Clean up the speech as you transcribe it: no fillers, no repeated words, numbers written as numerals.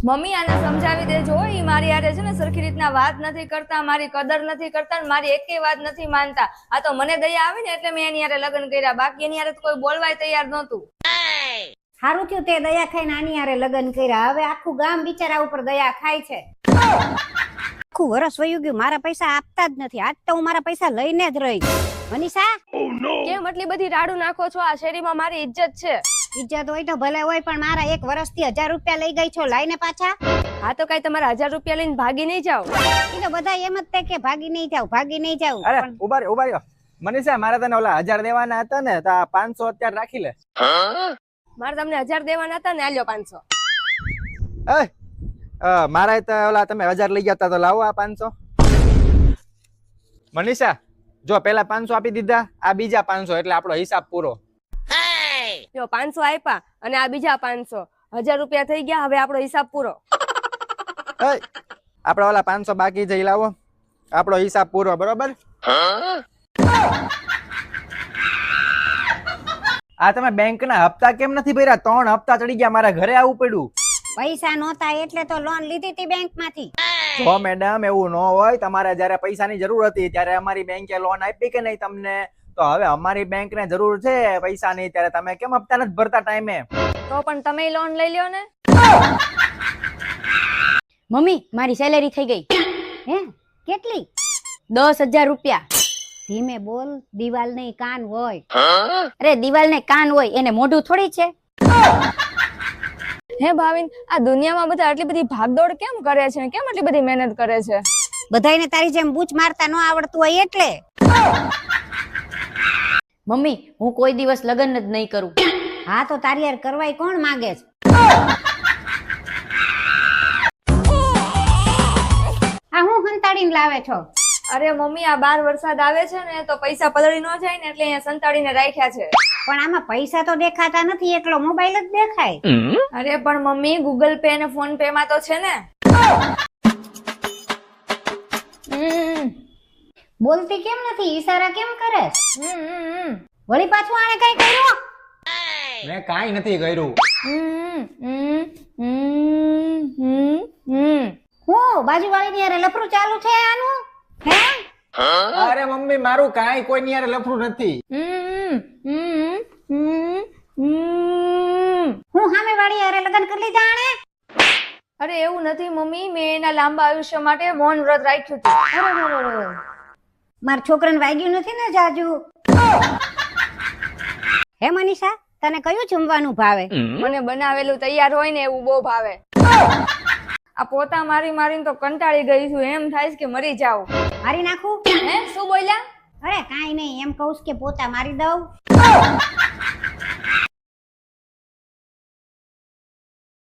Mummy આને સમજાવી દેજો. ઈ મારી હારે છે ને સરખી રીતના વાત નથી કરતા, મારી કદર નથી કરતા, મારી એકેય વાત નથી માનતા. આ તો મને દયા આવી ને એટલે મેં એની હારે લગ્ન કર્યા, બાકી એની હારે તો કોઈ બોલવાય તૈયાર નહોતું. સારું થયું તે દયા ખાઈને આની હારે લગ્ન કર્યા. હવે આખું ગામ બિચારા ઉપર દયા ખાય છે. આખું વરસ વયું ગયું, મારા પૈસા આપતા જ નથી. આજ તો હું મારા પૈસા લઈને જ રહી. મનીષા, કેમ આટલી બધી રાડું નાખો છો? આ શેરીમાં મારી ઇજ્જત છે. ઇજ્જત હોય તો ભલે હોય, પણ મારા એક વર્ષથી 1000 રૂપિયા લઈ ગઈ છો, લાઈને પાછા. હા તો કઈ તમારા 1000 રૂપિયા લઈને ભાગી નહીં જાવ? એ તો બધા એમ જ તે કે ભાગી નહીં જાવ, ભાગી નહીં જાવ. અરે ઉભા રહ્યો મનીષા, મારે તને ઓલા 1000 દેવાના હતા ને, તો આ 500 અત્યારે રાખી લે. મારે તમને 1000 દેવાના હતા ને, આલ્યો 500. મારા તો ઓલા તમે 1000 લઈ ગયા હતા, તો લાવો આ 500. મનીષા જો પેલા 500 આપી દીધા, આ બીજા 500, એટલે આપણો હિસાબ પૂરો. જો 500 આપ્યા અને આ બીજા 500, 1000 રૂપિયા થઈ ગયા. હવે આપણો હિસાબ પૂરો. આપડા ઓલા 500 બાકી છે, લાવો, આપણો હિસાબ પૂરો. બરોબર? આ તમે બેંક ના હપ્તા કેમ નથી ભર્યા? 3 હપ્તા ચડી ગયા, મારા ઘરે આવવું પડ્યું. પૈસા નહોતા એટલે તો લોન લીધી હતી બેંક માંથી. જો મેડમ એવું ન હોય, તમારે જયારે પૈસાની જરૂર હતી ત્યારે અમારી બેંકે લોન આપી કે નહીં તમને? તો હવે અમારી બેંક ને જરૂર છે પૈસાની, ત્યારે તમે કેમ હપ્તા નથી ભરતા ટાઈમે? તો પણ તમે લોન લઈ લ્યો ને. મમ્મી, મારી સેલેરી થઈ ગઈ. હે? કેટલી? 10,000 રૂપિયા. ધીમે બોલ, દિવાલ નહીં કાન હોય. અરે દિવાલ ને કાન હોય, એને મોઢું થોડી છે. હે ભાવિન, આ દુનિયામાં બધા આટલી બધી ભાગદોડ કેમ કરે છે? કેમ આટલી બધી મહેનત કરે છે? બધાયને તારી જેમ બૂચ મારતા ન આવડતું હોય એટલે. મમ્મી, હું કોઈ દિવસ લગ્ન જ નહીં કરું. હા તો તારી યાર કરવાય કોણ માંગે છે? આ હું હંતાડીને લાવે છો? અરે મમ્મી, આ 12 વરસાદ આવે છે ને તો પૈસા પલળી ન જાય ને એટલે અહીંયા સંતાડીને રાખ્યા છે. પણ આમાં પૈસા તો દેખાતા નથી, એકલો મોબાઈલ જ દેખાય. અરે પણ મમ્મી, ગૂગલ પે અને ફોન પે માં તો છે ને. બોલતી કેમ નથી? ઈશારા કેમ કરે? વળી પાછું આને કઈ કર્યું? મેં કાઈ નથી કર્યું. હું બાજુવાળીની યાર લફરું ચાલુ છે આનું? હે? અરે મમ્મી, મારું કાઈ કોઈ ની યાર લફરું નથી. હું સામે વાળી યાર લગ્ન કરી લીધા આણે? અરે એવું નથી મમ્મી, મેં એના લાંબા આયુષ્ય માટે મૌન વ્રત રાખ્યું હતું. મારા છોકરાને વાગ્યું નથી ને જાજુ? હે મનીષા, તને કયું જમવાનું ભાવે? મને બનાવેલું તૈયાર હોય ને એવું બહુ ભાવે. આ પોતા મારી મારીને તો કંટાળી ગઈ છું, એમ થાય કે મરી જાવ. મારી નાખું? હે, શું બોલ્યા? અરે કાઈ નહીં, એમ કહું કે પોતા મારી દઉં.